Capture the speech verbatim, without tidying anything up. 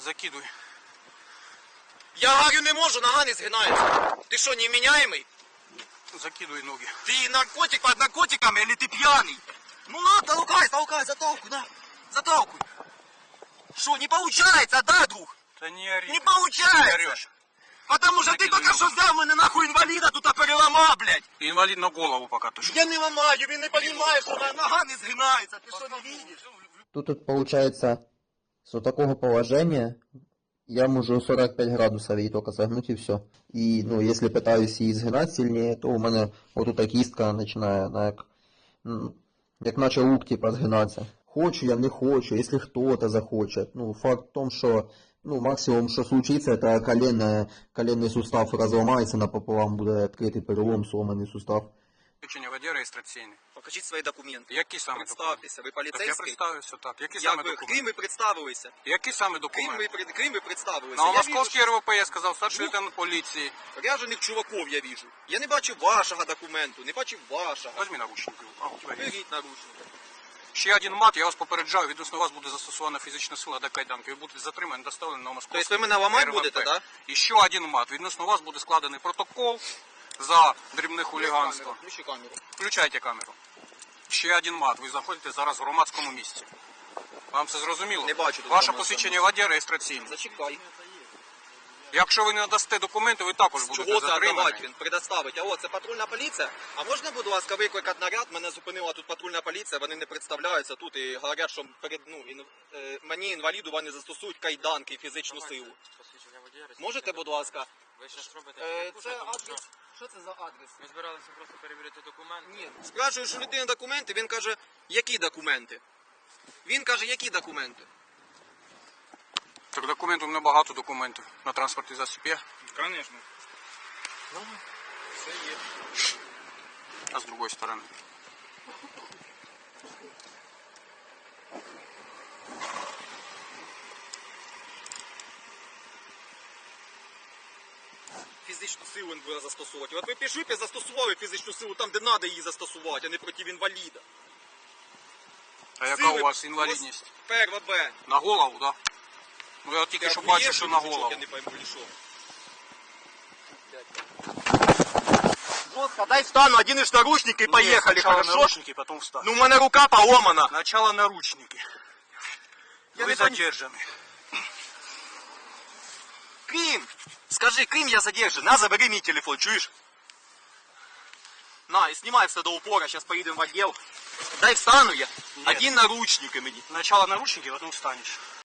Закидуй. Я говорю, не можу, нога не згинається. Ти що, невменяемый? Закидуй ноги. Ты наркотик под наркотиками или ты пьяный? Ну на, толкай, толкай, затолкуй, на. Затолкуй. Что, не получается, да, друг? Та не ори. Не получается. Орешь. Потому что ты только что взял мене нахуй інваліда тут переламав, блядь. Інвалід на голову поки точно. Я не ламаю, він не розуміє, що нога не згинається. Ти що, не видиш? Тут, тут получается, с такого положения я могу сорок пять градусов ей только согнуть и все. И, ну, если пытаюсь її згинати сильнее, то у мене вот эта кістка починає, на, як, м, як наче лук, типа, згинатися. Хочу я, не хочу, если кто-то захочет. Ну, факт в том, что, ну, максимум, что случится, это коленное, коленный сустав разломается напополам, буде відкритий перелом, сломаний сустав. Включення воді реєстраційний. Покажіть свої документи. Які саме Представтеся, ви документи? Так я поліцейський? представився, так. Які Як саме ви, документи? Крим ви представилися. Які саме Крим ви, документи? пред- Крим ви представилися. На Я московський вижу, РВП я сказав, старший Ну. лейтенант поліції. що ряжених чуваків я вижу. Я не бачу вашого документу, не бачу вашого. Возьми наручники. А, у тебе є. Беріть наручники. Ще один мат, я вас попереджаю, відносно вас буде застосована фізична сила до кайданки. Ви будете затримані, доставлені на московський Тобто ви мене ламати РВП. будете, да? І ще один мат. Відносно вас буде складений протокол за дрібне хуліганство. Включи камеру. Включайте камеру. Ще один мат. Ви знаходитесь зараз в громадському місці. Вам це зрозуміло? Не бачу тут Ваше громадського посвідчення водія реєстраційне. Зачекай. Якщо ви не надасте документи, ви також будете Чого це затримані. віддавати він? Предоставить. Алло, це патрульна поліція? А можна, будь ласка, викликати наряд? Мене зупинила тут патрульна поліція, вони не представляються тут і говорять, що перед, ну, ін, е, мені, інваліду, вони застосують кайданки і фізичну силу. Можете, будь ласка? Ви зараз робите Е, яку, це тому що адрес. Що це за адрес? Ми збиралися просто перевірити документи. Ні. Спрашую, що людина документи, він каже, які документи? Він каже, які документи? Так документів, у мене багато документів на транспортний засіб є. Звісно. Все є. А з другої сторони. Фізичну силу він буде застосовувати. От ви пішли б і застосували фізичну силу там, де треба її застосувати, а не проти інваліда. А яка Сили у вас інвалідність? Перва Б. На голову, так? Да? Ну я тільки що бачу, що на голову. Я не пойму, чи що. Жестко, дай встану, один из наручники и поехали, хорошо? наручники, потом встань. Ну, у меня рука поломана. Сначала наручники. Я Вы не пон- задержаны. Крым! Скажи, Крым, я задержан. На, забери мой телефон, чуешь? На, и снимай все до упора, сейчас поедем в отдел. Дай встану я. Нет. Один наручник и мне. Сначала наручники, потом встанешь.